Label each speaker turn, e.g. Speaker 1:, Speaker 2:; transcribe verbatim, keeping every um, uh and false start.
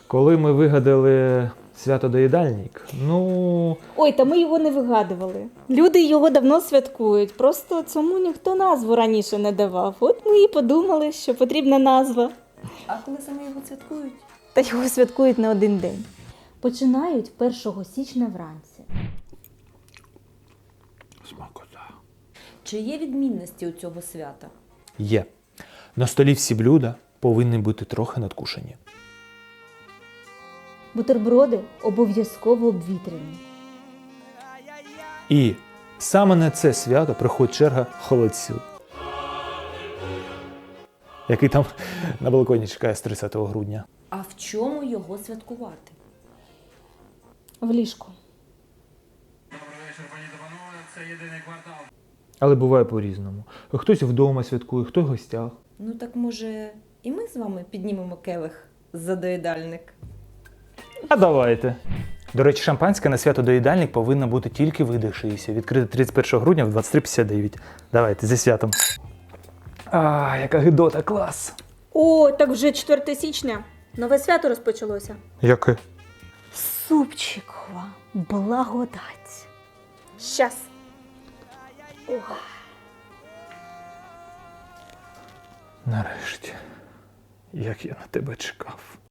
Speaker 1: Коли ми вигадали свято-доїдальник, ну,
Speaker 2: Ой, та ми його не вигадували. Люди його давно святкують, просто цьому ніхто назву раніше не давав. От ми і подумали, що потрібна назва.
Speaker 3: А коли саме його святкують?
Speaker 2: Та його святкують не один день. Починають першого січня вранці.
Speaker 1: смакота.
Speaker 3: Чи є відмінності у цього свята?
Speaker 1: Є. На столі всі блюда повинні бути трохи надкушені.
Speaker 2: Бутерброди обов'язково обвітряні.
Speaker 1: І саме на це свято приходить черга холодцю, який там на балконі чекає з тридцятого грудня.
Speaker 3: А в чому його святкувати?
Speaker 2: В ліжку.
Speaker 1: Але буває по-різному. Хтось вдома святкує, хто в гостях.
Speaker 3: Ну так може і ми з вами піднімемо келих за доїдальник?
Speaker 1: А давайте. До речі, шампанське на свято-доїдальник повинно бути тільки видихшися. Відкрите тридцять першого грудня в двадцять три п'ятдесят дев'ять. Давайте, зі святом. А, яка гидота, клас.
Speaker 2: О, так вже четверте січня. Нове свято розпочалося.
Speaker 1: Яке?
Speaker 2: Супчикова благодать. Щас. Ох.
Speaker 1: Нарешті. Як я на тебе чекав.